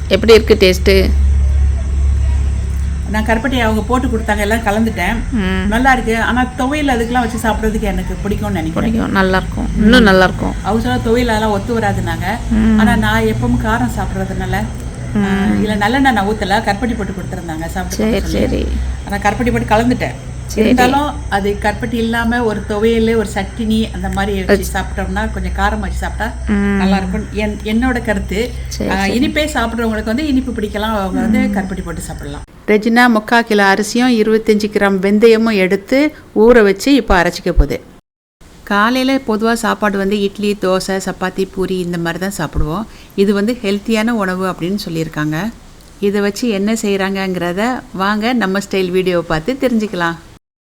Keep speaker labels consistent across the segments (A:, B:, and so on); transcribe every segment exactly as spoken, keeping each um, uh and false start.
A: எப்படி இருக்குது டேஸ்ட்டு?
B: நான் கருப்பட்டி அவங்க போட்டு கொடுத்தாங்க, எல்லாம் கலந்துட்டேன். நல்லா இருக்கு. ஆனால் துவையல் அதுக்கெல்லாம் வச்சு சாப்பிட்றதுக்கு எனக்கு பிடிக்கும்னு நினைக்கிறேன்.
A: பிடிக்கும், நல்லா இருக்கும், இன்னும் நல்லா இருக்கும்.
B: அவங்க சொல்ல துவையலெல்லாம் ஒத்து வராதுனாங்க. ஆனால் நான் எப்பவும் காரம் சாப்பிட்றதுனால இல்லை நல்லெண்ணெய் நான் ஊற்றல, கருப்பட்டி போட்டு கொடுத்துருந்தாங்க சாப்பிட்டு.
A: சரி சரி.
B: ஆனால் கருப்பட்டி போட்டு கலந்துட்டேன். இருந்தாலும் அது கருப்பட்டி இல்லாமல் ஒரு துவையல் ஒரு சட்டினி அந்த மாதிரி வச்சு சாப்பிட்டோம்னா கொஞ்சம் காரம் வச்சு சாப்பிட்டா நல்லா இருக்கும் என் என்னோட கருத்து. இனிப்பே சாப்பிட்றவங்களுக்கு வந்து இனிப்பு பிடிக்கலாம், அவங்க வந்து கருப்பட்டி போட்டு சாப்பிடலாம். ரெஜினா முக்கால் கிலோ அரிசியும் இருபத்தஞ்சி கிராம் வெந்தயமும் எடுத்து ஊற வச்சு இப்போ அரைச்சிக்க போகுது. காலையில் பொதுவாக சாப்பாடு வந்து இட்லி, தோசை, சப்பாத்தி, பூரி இந்த மாதிரி தான் சாப்பிடுவோம். இது வந்து ஹெல்த்தியான உணவு அப்படின்னு சொல்லியிருக்காங்க. இதை வச்சு என்ன செய்கிறாங்கங்கிறத வாங்க நம்ம ஸ்டைல் வீடியோவை பார்த்து தெரிஞ்சுக்கலாம்.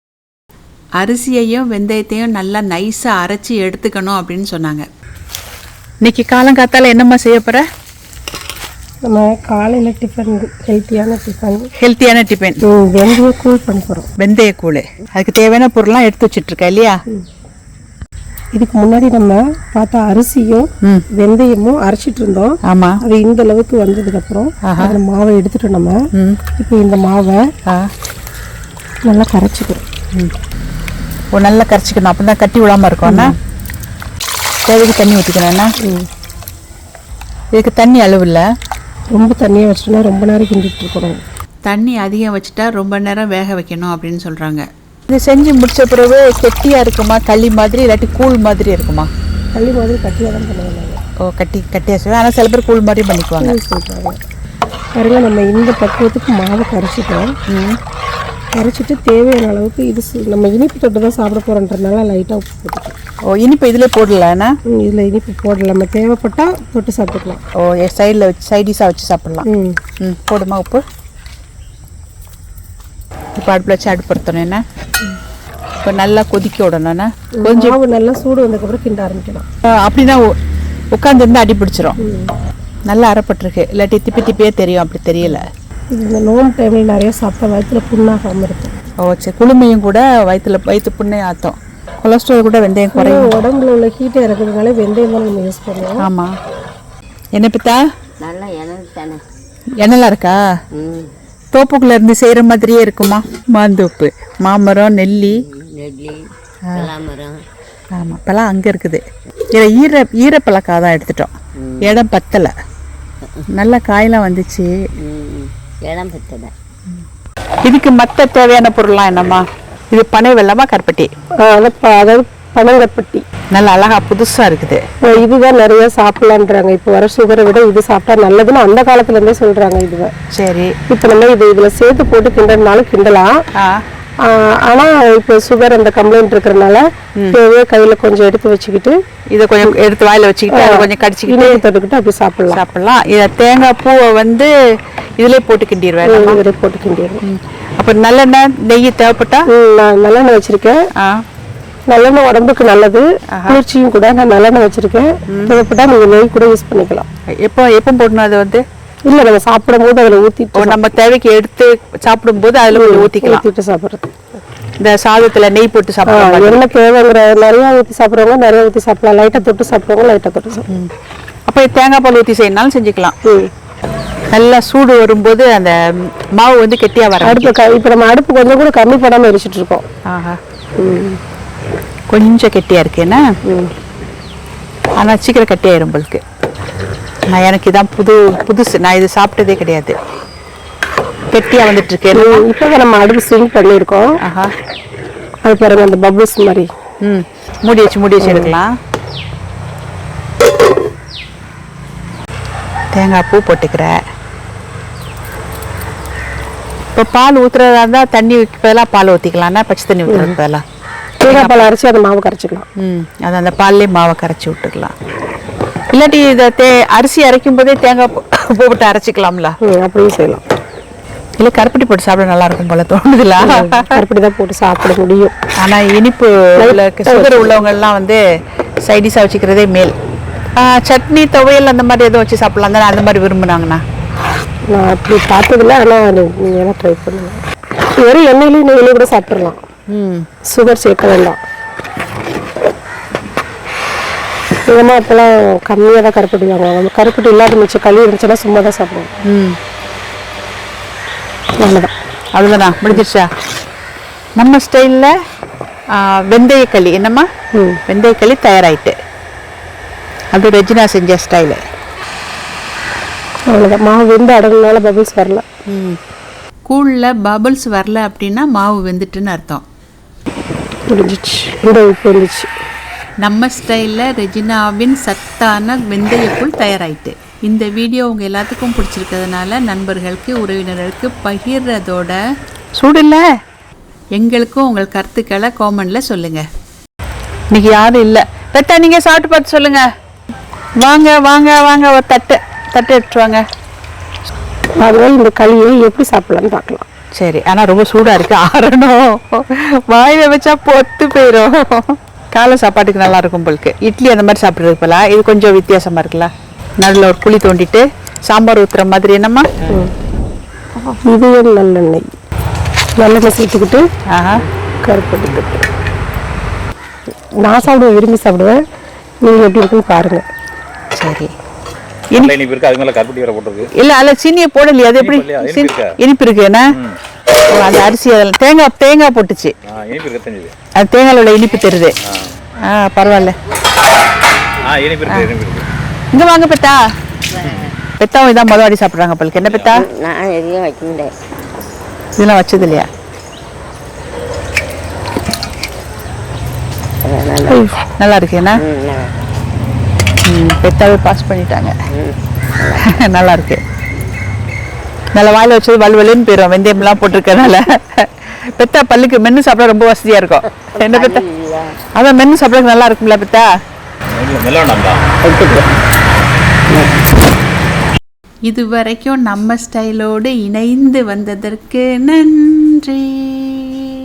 B: அரிசியையும் வெந்தயத்தையும் நல்லா நைஸாக அரைச்சி எடுத்துக்கணும் அப்படின்னு சொன்னாங்க. இன்றைக்கி காலங்காத்தால் என்னம்மா செய்ய போகிற?
C: நம்ம காலையில் டிஃபன் ஹெல்த்தியான டிஃபன்
B: ஹெல்த்தியான டிஃபன்
C: வெந்தய கூழ் பண்ண போகிறோம்.
B: வெந்தய கூழ், அதுக்கு தேவையான பொருள்லாம் எடுத்து வச்சுட்ருக்கா இல்லையா?
C: இதுக்கு முன்னாடி நம்ம பார்த்தா அரிசியும் வெந்தயமும் அரைச்சிட்டு இருந்தோம்.
B: ஆமாம்.
C: அது இந்த அளவுக்கு வந்ததுக்கப்புறம் அந்த மாவை எடுத்துட்டோம். நம்ம இப்போ இந்த மாவை நல்லா கரைச்சிக்கிறோம்.
B: ஓ, நல்லா கரைச்சிக்கணும், அப்போ தான் கட்டி விடாமல் இருக்கும்ண்ணா. தேவைக்கு தண்ணி ஊற்றிக்கணும்ண்ணா. இதுக்கு தண்ணி அளவு இல்லை,
C: ரொம்ப தண்ணியை வச்சிட்டோம்னா ரொம்ப நேரம் கிண்டிட்டு இருக்கணும்.
B: தண்ணி அதிகம் வச்சுட்டா ரொம்ப நேரம் வேக வைக்கணும் அப்படின்னு சொல்கிறாங்க. இது செஞ்சு முடிச்ச பிறகு கெட்டியாக இருக்குமா, களி மாதிரி, இல்லாட்டி கூழ் மாதிரி இருக்குமா?
C: களி மாதிரி கட்டியாக தான் பண்ணுவாங்க.
B: ஓ, கட்டி கட்டியாக செய்வாங்க. ஆனால் சில பேர் கூழ் மாதிரி பண்ணிக்குவாங்க.
C: பாருங்க, நம்ம இந்த பக்குவத்துக்கு மாவை கரைச்சிட்டோம். கரைச்சிட்டு தேவையான அளவுக்கு இது நம்ம இனிப்பு தொட்டு தான் சாப்பிட போகிறோன்றதுனால லைட்டாக உப்பு போட்டுக்கலாம்.
B: ஓ, இனிப்பு இதில் போடலாண்ணா?
C: இதில் இனிப்பு போடலாம், நம்ம தேவைப்பட்டால் தொட்டு சாப்பிட்டுக்கலாம்.
B: ஓ, சைடில் வச்சு சைடிஷாக வச்சு சாப்பிட்லாம். ம் ம் போடுமா உப்பு? இப்போ அடுப்பில் வச்சு அடுப்படுத்தணும் என்ன? இப்போ நல்லா கொதிக்க விடணும்ண்ணா. கொஞ்சம்
C: நல்லா சூடு வந்ததுக்கப்புறம் கிண்ட ஆரம்பிக்கலாம்.
B: அப்படின்னா உட்காந்துருந்து அடி பிடிச்சிரும். நல்லா அரைப்பட்டிருக்கு, இல்லாட்டி திப்பி திப்பியே தெரியும். அப்படி தெரியல.
C: இந்த நோம்பு டைமில் நிறைய சாப்பிட்டா வயிற்றுல புண்ணாகாமல் இருக்கும்.
B: ஓ சரி. குளுமையும் கூட வயிற்றுல வயிற்று புண்ணே ஆற்றும். கொலஸ்ட்ரால் கூட வெந்தயம் குறையும்.
C: உடம்புல உள்ள ஹீட்டை இறக்குறதுனால வெந்தயம் தான் நம்ம யூஸ் பண்ணுவோம்.
B: ஆமாம். என்ன பித்தா?
D: நல்லா எண்ணெய் தானே.
B: எண்ணெய்லாம் இருக்கா? தோப்புக்குள்ள இருந்து செய்கிற மாதிரியே இருக்குமா? மாந்தோப்பு, மாமரம், நெல்லி,
D: நெல்லி, பலாமரம்.
B: ஆமாம், இப்போலாம் அங்கே இருக்குது. இதில் ஈர ஈரப்பழக்காக தான் எடுத்துட்டோம். இடம் பத்தலை, நல்ல காயெல்லாம் வந்துச்சு.
D: இடம் பத்தலை.
B: இதுக்கு மற்ற தேவையான பொருள்லாம் என்னம்மா? இது பனை வெல்லமா கருப்பட்டி?
C: அதாவது பனங்கற்பட்டி
B: நல்ல அழகா புதுசா இருக்குது.
C: இதுதான் நிறைய சாப்பிடலான்றாங்க. இப்போ வர சுகரை விட இது சாப்பிட்டா நல்லதுன்னு அந்த காலத்துல இருந்தே சொல்றாங்க. இதுதான் சரி. இப்போ நம்ம இது இதுல சேர்த்து போட்டு கிண்டனாலும் கிண்டலாம். ஆனா இப்போ சுகர் அந்த கம்ப்ளைண்ட் இருக்கிறதுனால தேவையே கையில கொஞ்சம் எடுத்து வச்சுக்கிட்டு
B: இதை கொஞ்சம் எடுத்து வாயில வச்சுக்கிட்டு அதை கொஞ்சம் கடிச்சிக்கிட்டு
C: தொட்டுக்கிட்டு அப்படி சாப்பிடலாம்
B: சாப்பிடலாம் இதை தேங்காய் பூவை வந்து இதுல போட்டு கிண்டிடுவேன்.
C: இதில் போட்டு கிண்டிடுவேன்.
B: அப்போ நல்லெண்ணெய், நெய் தேவைப்பட்டா?
C: நான் நல்லெண்ணெய் வச்சிருக்கேன். நல்லெண்ணெய் உடம்புக்கு நல்லது, குளிர்ச்சியும் கூட. நான் நல்லெண்ணெய் வச்சிருக்கேன். தேவைப்பட்டா நீங்க நெய் கூட யூஸ் பண்ணிக்கலாம்.
B: எப்போ எப்போ போடணும்? அது வந்து
C: இல்லை, நம்ம சாப்பிடும் போது அதில் ஊற்றிட்டு
B: நம்ம தேவைக்கு எடுத்து சாப்பிடும் போது அதில் கொஞ்சம் ஊற்றிக்கலாம்.
C: ஊற்றிட்டு சாப்பிட்றது.
B: இந்த சாதத்தில் நெய் போட்டு சாப்பிடலாம்.
C: என்ன தேவைங்கிற நிறையா ஊற்றி சாப்பிட்றவங்க நிறையா ஊற்றி சாப்பிடலாம். லைட்டாக தொட்டு சாப்பிட்றவங்க லைட்டாக தொட்டு சாப்பிடலாம்.
B: அப்போ தேங்காய் பால் ஊற்றி செய்யணும்னாலும் செஞ்சுக்கலாம். நல்லா சூடு வரும்போது அந்த மாவு வந்து கெட்டியாக வர
C: அடுப்பு. இப்போ நம்ம அடுப்பு கொஞ்சம் கூட கம்மி பண்ணாமல் எரிச்சிட்டு இருக்கோம்.
B: ஆஹா, கொஞ்சம் கெட்டியாக இருக்கேன்னா, ஆனால் சீக்கிரம் கெட்டியாயிரும் உங்களுக்கு. நான் எனக்கு இதான் புது புதுசு, நான் இது சாப்பிட்டதே கிடையாது. கெட்டியாக வந்துட்டு இருக்கேன்.
C: இப்போ நம்ம அடுப்பு ஸ்விங் பண்ணியிருக்கோம். ஆஹா, அது பாருங்க அந்த பபிள்ஸ் மாதிரி.
B: ம் மூடி வச்சு மூடி வச்சு எடுக்கலாம். தேங்காய் பூ போட்டுக்கிறேன். இப்போ பால் ஊற்றுறதா இருந்தால் தண்ணி பதிலாக பால் ஊற்றிக்கலாம்னா பச்சை தண்ணி ஊற்றுறது பதிலாக
C: தேங்காய் பால் அரைச்சி அதை மாவு கரைச்சிக்கலாம்.
B: ம் அது அந்த பால்லே மாவை கரைச்சி விட்டுக்கலாம். இல்லாட்டி இதை தே அரிசி அரைக்கும் போதே தேங்காய் பூ போட்டு அரைச்சிக்கலாம்ல,
C: அப்படியும் செய்யலாம்.
B: இல்லை கருப்பட்டி போட்டு சாப்பிட நல்லா இருக்கும் போல தோணுதுல.
C: கருப்பட்டி தான் போட்டு சாப்பிட முடியும்.
B: ஆனால் இனிப்பு சுகர் உள்ளவங்கள்லாம் வந்து சைடிஷாக வச்சுக்கிறதே மேல். சட்னி, துவையல் அந்த மாதிரி எதுவும் வச்சு சாப்பிடலாம் தானே, அந்த மாதிரி விரும்புனாங்கண்ணா.
C: நான் அப்படி பார்த்ததில்ல, ஆனால் நீங்கள் வேணால் ட்ரை பண்ணுங்க. வெறும் எண்ணெயிலையும் நெய்யிலையும் கூட சாப்பிட்றலாம். ம் சுகர் சேர்க்க வேண்டாம். எங்கம்மா அப்போலாம் கம்மியாக தான் கருப்பட்டி வாங்குவாங்க. கருப்பட்டி இல்லாத மிச்சம் களி இருந்துச்சுன்னா சும்மா தான் சாப்பிடுவோம்.
B: ம்
C: அவ்வளோதான்.
B: அவ்வளோதானா முடிஞ்சிருச்சா? நம்ம ஸ்டைலில் வெந்தயக்களி என்னம்மா
C: ம்
B: வெந்தயக்களி தயாராகிட்டு. அது ரெஜினா செஞ்ச ஸ்டைலு.
C: அவ்வளோதான். மாவு வெந்து அடங்குனால பபிள்ஸ் வரல.
B: ம் கூழில் பபிள்ஸ் வரல அப்படின்னா மாவு வெந்துட்டுன்னு அர்த்தம்.
C: முடிஞ்சிச்சு. இந்த உப்பு வந்துச்சு.
B: நம்ம ஸ்டைலில் ரெஜினாவின் சத்தான வெந்தயக்கூழ் தயாராகிட்டு. இந்த வீடியோ உங்கள் எல்லாத்துக்கும் பிடிச்சிருக்கிறதுனால நண்பர்களுக்கு உறவினர்களுக்கு பகிர்றதோட சூடு இல்லை எங்களுக்கும் உங்கள் கருத்துக்களை காமெண்டில் சொல்லுங்கள். இன்னைக்கு யாரும் இல்லை. பெத்தா நீங்கள் சாப்பிட்டு பார்த்து சொல்லுங்கள். வாங்க வாங்க வாங்க ஒரு தட்டு தட்டு எடுத்துட்டு வாங்க.
C: அதனால இந்த களியை எப்படி சாப்பிடலான்னு பார்க்கலாம்.
B: சரி, ஆனால் ரொம்ப சூடாக இருக்குது, ஆறணும். வாயில் வச்சா பொத்து போயிடும். காலை சாப்பாட்டுக்கு நல்லா இருக்கும் போலுக்கு. இட்லி அந்த மாதிரி சாப்பிட்றதுக்கு போல இது கொஞ்சம் வித்தியாசமாக இருக்குல்ல. நடுவில் ஒரு குழி தோண்டிட்டு சாம்பார் ஊற்றுற மாதிரி என்னம்மா.
C: இதுவே நல்லெண்ணெய் நல்லெண்ணெய் சேர்த்துக்கிட்டு
B: ஆஹா
C: கருப்பட்டி தட்டு. நான் சாப்பிடுவேன், விரும்பி சாப்பிடுவேன். நீங்கள் எப்படி இருக்குன்னு பாருங்கள்.
B: சரி.
E: இனிப்பு இருக்கு, அது மேல கருப்பட்டி வேற போட்டுருக்கு.
B: இல்லை அதில் சீனியை போடலையே, அது எப்படி இனிப்பு இருக்கு? என்ன அந்த அரிசி அதில் தேங்காய் தேங்காய் போட்டுச்சு.
E: இனிப்பு இருக்கு தெரிஞ்சது.
B: அது தேங்காயில் உள்ள இனிப்பு தெரியுது. ஆ பரவாயில்ல.
E: ஆ இனிப்பு இருக்கு, இனிப்பு இருக்கு.
B: இங்கே வாங்க பெத்தா. பெத்தாவும் இதான் மொதல் வாடி சாப்பிட்றாங்க பல்க்கு. என்ன பெத்தா?
D: நான் எதையும் வைக்க முடியாது.
B: இதெல்லாம் வச்சது இல்லையா? நல்லா இருக்கு என்ன? பெத்தாவே பாஸ் பண்ணிட்டாங்க. நல்லா இருக்கு. நல்ல வாயில் வச்சது வலுவலுன்னு போயிடும் வெந்தயம்லாம் போட்டிருக்கனால. பெத்தா பல்லுக்கு மென்று சாப்பிட ரொம்ப வசதியாக இருக்கும். என்ன பெத்தா? அதான் மென்று சாப்பிட்றதுக்கு நல்லா இருக்கும்ல பெத்தா? இது வரைக்கும் நம்ம ஸ்டைலோடு இணைந்து வந்ததற்கு நன்றி.